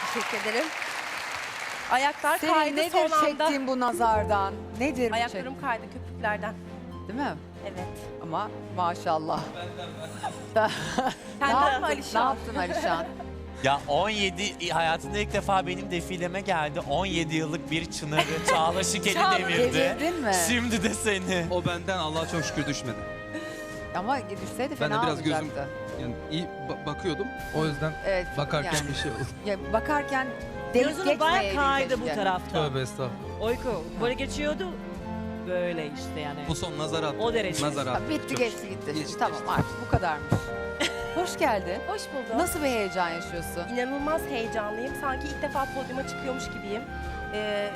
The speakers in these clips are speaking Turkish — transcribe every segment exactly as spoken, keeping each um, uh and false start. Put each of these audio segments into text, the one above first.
Teşekkür ederim. Ayaklar Senin kaydı nedir son anda. çektiğin bu nazardan? Nedir bu Ayaklarım çek- kaydı köpüklerden. Değil mi? Evet. Ama maşallah. ne Senden mi yaptın, ne Alişan? yaptın Alişan? Ya on yedi hayatında ilk defa benim defileme geldi. on yedi yıllık bir çınarı Çağla Şikel'i Çağla devirdi. Devirdin mi? Şimdi de seni. O benden Allah'a çok şükür düşmedi. Ama düşseydi Ben fena de biraz gözüm olacaktı. yani iyi ba- bakıyordum. O yüzden Evet, bakarken yani, bir şey oldu. ya bakarken delip Gözünü bayağı geçmeyeydin kaydı bu keşke. tarafta. Tövbe estağfurullah. Oyku böyle geçiyordu. Böyle işte yani. Bu son nazar attı. O derece. Nazar Ha, attı. bitti Çok geçti şükür. gitti. Geçti, Tamam geçti. artık bu kadarmış. Hoş geldin. Hoş buldum. Nasıl bir heyecan yaşıyorsun? İnanılmaz heyecanlıyım. Sanki ilk defa podyuma çıkıyormuş gibiyim. Ee,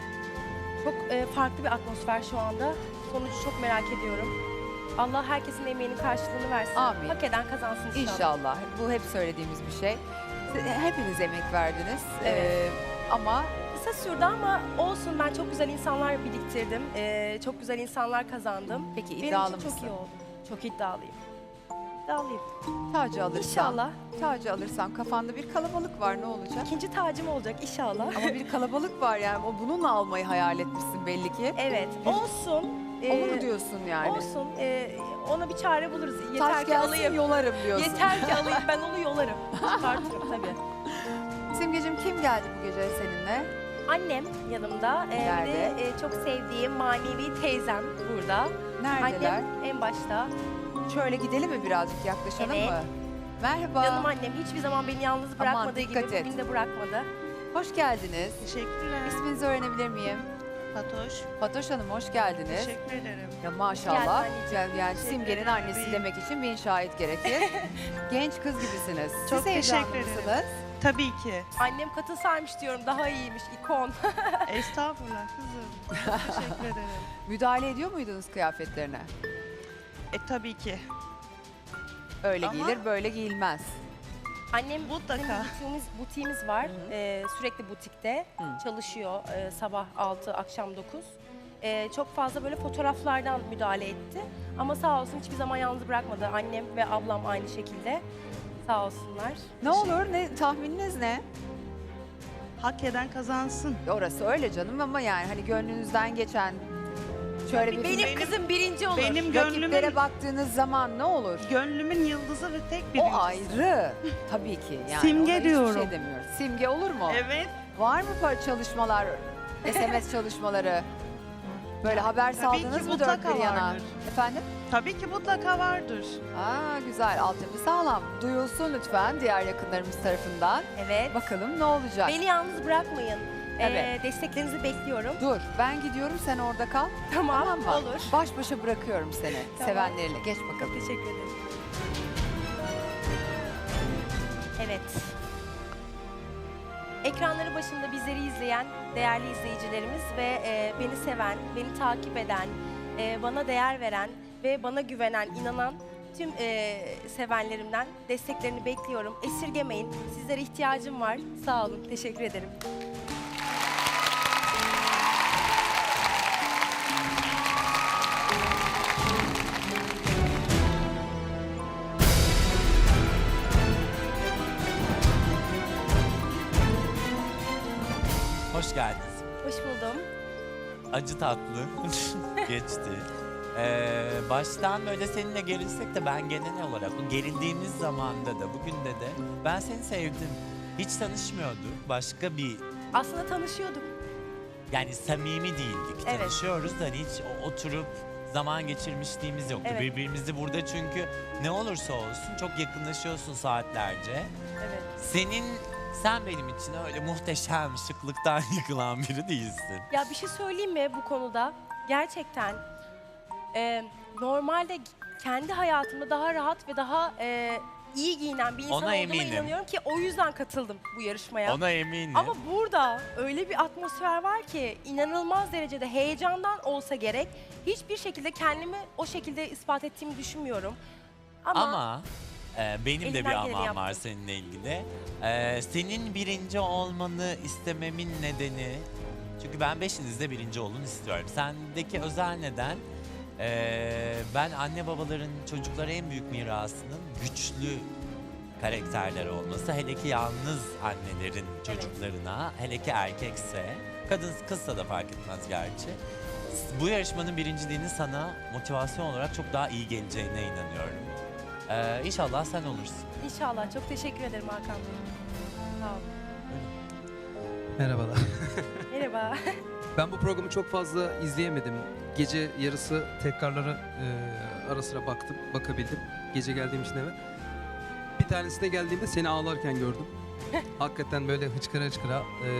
çok e, farklı bir atmosfer şu anda. Sonucu çok merak ediyorum. Allah herkesin emeğinin karşılığını versin. Amin. Hak eden kazansın inşallah. İnşallah. Bu hep söylediğimiz bir şey. Siz- Hepiniz emek verdiniz. Evet. Ee, ama Kısa sürdü ama olsun, ben çok güzel insanlar biriktirdim. Ee, çok güzel insanlar kazandım. peki Benim iddialı için mısın? çok iyi oldu. Çok iddialıyım. İddialıyım. Tacı alırsan, İnşallah. tacı alırsan kafanda bir kalabalık var, ne olacak? İkinci tacım olacak inşallah. Ama bir kalabalık var yani. O bununla almayı hayal etmişsin belli ki. Evet. Olsun. Onu Ee, mu diyorsun yani? Olsun. Ee, ona bir çare buluruz. Yeter Taş ki gelsin alayım. yolarım diyorsun. Yeter ki alayım. Ben onu yolarım. Çıkartırım tabii. Simgeciğim, kim geldi bu gece seninle? Annem yanımda. Ee, bir Nerede? de e, çok sevdiğim manevi teyzem burada. Neredeler? Annem en başta. Şöyle gidelim mi birazcık, yaklaşalım Evet. mı? Merhaba. Canım annem hiçbir zaman beni yalnız bırakmadığı gibi dikkat et. bugün de bırakmadı. Hoş geldiniz. Teşekkürler. İsminizi öğrenebilir miyim? Fatoş. Fatoş Hanım, hoş geldiniz. Teşekkür ederim. Ya maşallah. Geldin Yani, yani Teşekkür Simge'nin ederim. annesi demek için bin şahit gerekir. Genç kız gibisiniz. Çok Siz heyecanlı teşekkür ederim. mısınız? Tabii ki. Annem katılsaymış diyorum, daha iyiymiş, ikon. Estağfurullah kızım. Teşekkür ederim. Müdahale ediyor muydunuz kıyafetlerine? E tabii ki. Öyle Ama- giyilir, böyle giyilmez. Annem Mutlaka. bizim butiğimiz, butiğimiz var. Ee, sürekli butikte Hı. çalışıyor. Ee, sabah altı, akşam dokuz. Ee, çok fazla böyle fotoğraflardan müdahale etti. Ama sağ olsun hiçbir zaman yalnız bırakmadı. Annem ve ablam aynı şekilde. Sağ olsunlar. Ne olur, ne tahmininiz ne? Hak eden kazansın. Orası öyle canım ama yani hani gönlünüzden geçen şöyle bir Benim, Benim- kızım birinci olur. Benim rakiplere gönlümün, baktığınız zaman ne olur? gönlümün yıldızı ve tek bir O yıldız. ayrı. Tabii ki. Yani Simge ona hiçbir diyorum. şey demiyoruz. Simge olur mu? Evet. Var mı par- çalışmalar, S M S çalışmaları? Böyle haber Tabii ki saldınız mı dört mutlaka bir yana? vardır. Efendim? Tabii ki mutlaka vardır. Aa güzel, altyapı sağlam. Duyulsun lütfen diğer yakınlarımız tarafından. Evet. Bakalım ne olacak? Beni yalnız bırakmayın. Ee, Evet. desteklerinizi bekliyorum. Dur, ben gidiyorum, sen orada kal. Tamam, Tamam mı? olur. Baş başa bırakıyorum seni Tamam. sevenleriyle. Geç bakalım. Teşekkür ederim. Evet. Ekranları başında bizleri izleyen değerli izleyicilerimiz ve e, beni seven, beni takip eden, e, bana değer veren ve bana güvenen, inanan tüm e, sevenlerimden desteklerini bekliyorum. Esirgemeyin. Sizlere ihtiyacım var. Sağ olun. Teşekkür ederim. Hoş geldiniz. Hoş buldum. Acı tatlı geçti. Ee, baştan böyle seninle gerilsek de ben genel olarak bu gerildiğimiz zamanda da bugün de de ben seni sevdim. Hiç tanışmıyorduk. Başka bir Aslında tanışıyorduk. yani samimi değildik. Evet. Tanışıyoruz da hani hiç o- oturup zaman geçirmişliğimiz yoktu. Evet. Birbirimizi burada çünkü ne olursa olsun çok yakınlaşıyorsun saatlerce. Evet. Senin sen benim için öyle muhteşem şıklıktan yıkılan biri değilsin. Ya bir şey söyleyeyim mi bu konuda? Gerçekten e, normalde kendi hayatımda daha rahat ve daha e, iyi giyinen bir insan Ona olduğuma eminim. inanıyorum ki o yüzden katıldım bu yarışmaya. Ona eminim. Ama burada öyle bir atmosfer var ki inanılmaz derecede heyecandan olsa gerek. Hiçbir şekilde kendimi o şekilde ispat ettiğimi düşünmüyorum. Ama, Ama e, benim de elimden bir geleni amam var yaptım. seninle ilgili. E, senin birinci olmanı istememin nedeni, çünkü ben beşinizde birinci olun istiyorum. Sendeki özel neden, e, ben anne babaların çocuklara en büyük mirasının güçlü karakterler olması, hele ki yalnız annelerin çocuklarına, hele ki erkekse, kadın kızsa da fark etmez gerçi. Bu yarışmanın birinciliğini sana motivasyon olarak çok daha iyi geleceğine inanıyorum. Ee, İnşallah sen olursun. İnşallah. Çok teşekkür ederim Hakan Bey. Sağ olun. Merhabalar. Merhaba. Ben bu programı çok fazla izleyemedim. Gece yarısı tekrarlara e, ara sıra baktım, bakabildim. Gece geldiğim için eve. Bir tanesine geldiğimde seni ağlarken gördüm. Hakikaten böyle hıçkıra hıçkıra e,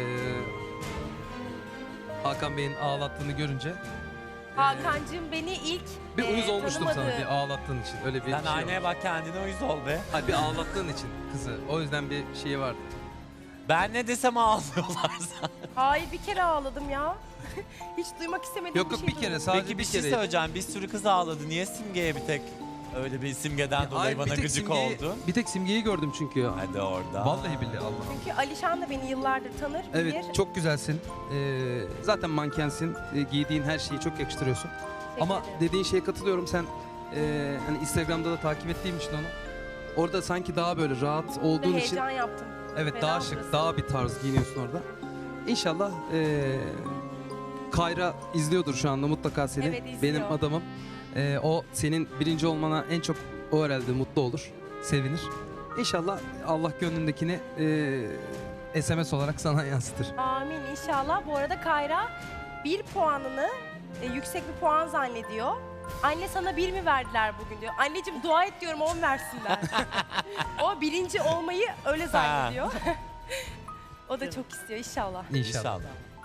Hakan Bey'in ağlattığını görünce e, Hakan'cığım beni ilk bir e, uyuz olmuştum sana tanımadığı- bir ağlattığın için. Öyle bir Sen şey aynaya olmuş. bak, kendine uyuz ol be. Hayır, bir ağlattığın için kızı. O yüzden bir şey vardı. Ben ne desem ağlıyorlar zaten. Hayır, bir kere ağladım ya. Hiç duymak istemediğim Yok bir yok şey bir kere duydum. sadece Peki bir bir şey kere. söyleyeceğim. Bir sürü kız ağladı. Niye Simge'ye bir tek öyle bir Simge'den dolayı Hayır, bir bana tek gıcık simgeyi- oldu? Bir tek simgeyi gördüm çünkü ya. Hadi orada. Vallahi billahi Allah. Çünkü Alişan da beni yıllardır tanır, bilir. Evet çok güzelsin. Ee, zaten mankensin. Ee, giydiğin her şeyi çok yakıştırıyorsun. Teşekkür Ama ederim. dediğin şeye katılıyorum. Sen e, hani Instagram'da da takip ettiğim için onu. Orada sanki daha böyle rahat Bir olduğun için. heyecan yaptım. Evet Fena daha şık, burası. daha bir tarz giyiniyorsun orada. İnşallah e, Kayra izliyordur şu anda mutlaka seni. Evet, izliyor. Benim adamım. E, o senin birinci olmana en çok o herhalde mutlu olur, sevinir. İnşallah Allah gönlündekini e, S M S olarak sana yansıtır. Amin inşallah. Bu arada Kayra bir puanını e, yüksek bir puan zannediyor. Anne sana bir mi verdiler bugün diyor. Anneciğim dua et diyorum on versinler. O birinci olmayı öyle zannediyor. O da çok istiyor inşallah. İnşallah. İnşallah.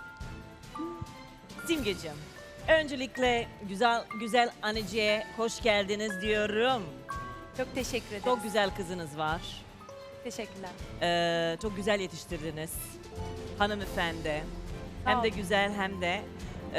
Simgeciğim, öncelikle güzel güzel anneciğe hoş geldiniz diyorum. Çok teşekkür ederim. Çok güzel kızınız var. teşekkürler. Ee, çok güzel yetiştirdiniz. Hanımefendi. Hem de olun. güzel hem de e,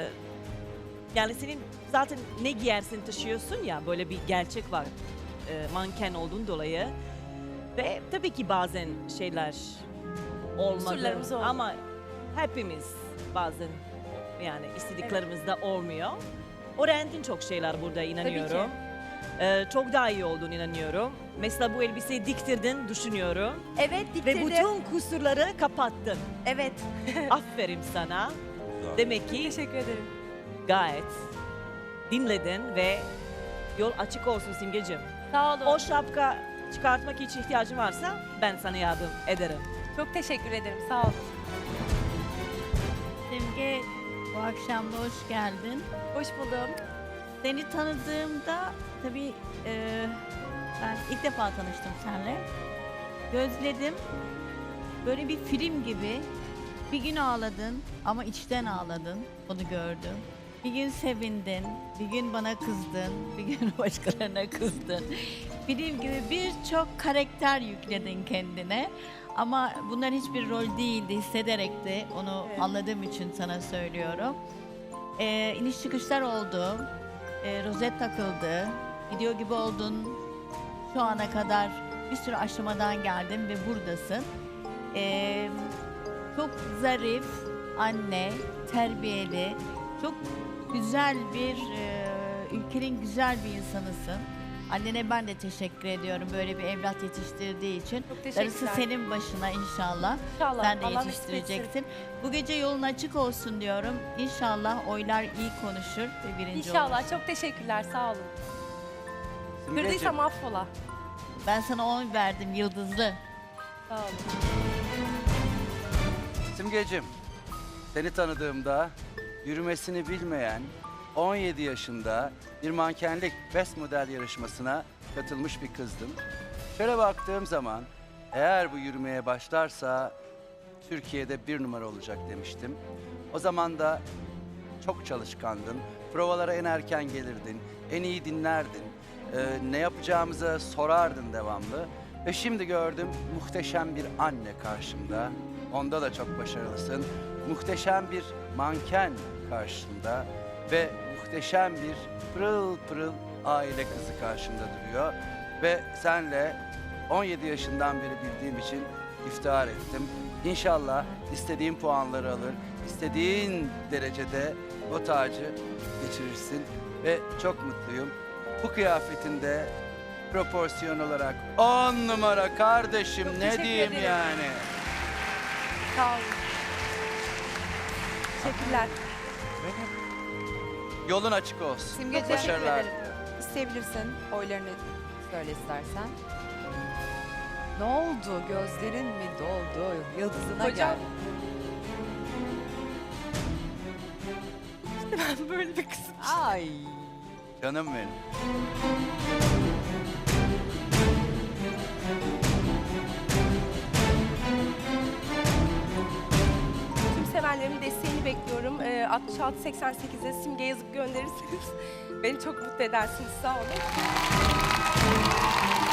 yani senin zaten ne giyersin taşıyorsun ya, böyle bir gerçek var. E, manken olduğun dolayı. Ve tabii ki bazen şeyler olmadı Kusurlarımız oldu. ama hepimiz bazen yani istediklerimizde olmuyor. Öğrendin çok şeyler burada, inanıyorum. Ee, çok daha iyi olduğunu inanıyorum. Mesela bu elbiseyi diktirdin düşünüyorum. Evet Ve diktirdim. bütün kusurları kapattın. Evet. Aferin sana. Demek ki Teşekkür ederim. gayet dinledin ve yol açık olsun Simgeciğim. Sağ olun. O şapka çıkartmak için ihtiyacın varsa ben sana yardım ederim. Çok teşekkür ederim. Sağ olun. Simge, bu akşam da hoş geldin. Hoş buldum. Seni tanıdığımda tabii e, ben ilk defa tanıştım seninle. Gözledim. Böyle bir film gibi. Bir gün ağladın ama içten ağladın. Onu gördüm. Bir gün sevindin, bir gün bana kızdın, bir gün başkalarına kızdın. Film gibi birçok karakter yükledin kendine. Ama bunlar hiçbir rol değildi, hissederek de onu Evet. anladığım için sana söylüyorum. Ee, iniş çıkışlar oldu, ee, rozet takıldı, gidiyor gibi oldun. Şu ana kadar bir sürü aşamadan geldin ve buradasın. Ee, çok zarif, anne, terbiyeli, çok güzel bir, e, ülkenin güzel bir insanısın. Annene ben de teşekkür ediyorum böyle bir evlat yetiştirdiği için. Çok Darısı teşekkürler. senin başına inşallah. İnşallah. Sen de Allah nasip etsin. yetiştireceksin. Bu gece yolun açık olsun diyorum. İnşallah oylar iyi konuşur ve birinci İnşallah. olursun. Çok teşekkürler. Sağ olun. Simgeciğim, Kırdıysam affola. Ben sana on verdim yıldızlı. Sağ olun. Simgeciğim, seni tanıdığımda yürümesini bilmeyen on yedi yaşında bir mankenlik best model yarışmasına katılmış bir kızdım. Şöyle baktığım zaman eğer bu yürümeye başlarsa Türkiye'de bir numara olacak demiştim. O zaman da çok çalışkandın, provalara en erken gelirdin, en iyi dinlerdin, Ee, ne yapacağımızı sorardın devamlı. Ve şimdi gördüm muhteşem bir anne karşımda. Onda da çok başarılısın. Muhteşem bir manken karşımda ve muhteşem bir pırıl pırıl aile kızı karşımda duruyor. Ve senle on yedi yaşından beri bildiğim için iftihar ettim. İnşallah istediğin puanları alır, istediğin derecede o tacı geçirirsin ve çok mutluyum. Bu kıyafetinde proporsiyon olarak on numara kardeşim, Çok ne teşekkür diyeyim ederim. yani. Sağ olun. Teşekkürler. Yolun açık olsun. Simgeciğim, Başarılar. ederim. İsteyebilirsin. Oylarını söyle istersen. Ne oldu? Gözlerin mi doldu? Yıldızına Hocam. gel. Ben böyle bir kızım. Ay. Canım benim. Tüm sevenlerimin desteğini bekliyorum. Ee, altmış altı seksen sekize simge yazıp gönderirseniz beni çok mutlu edersiniz. Sağ olun.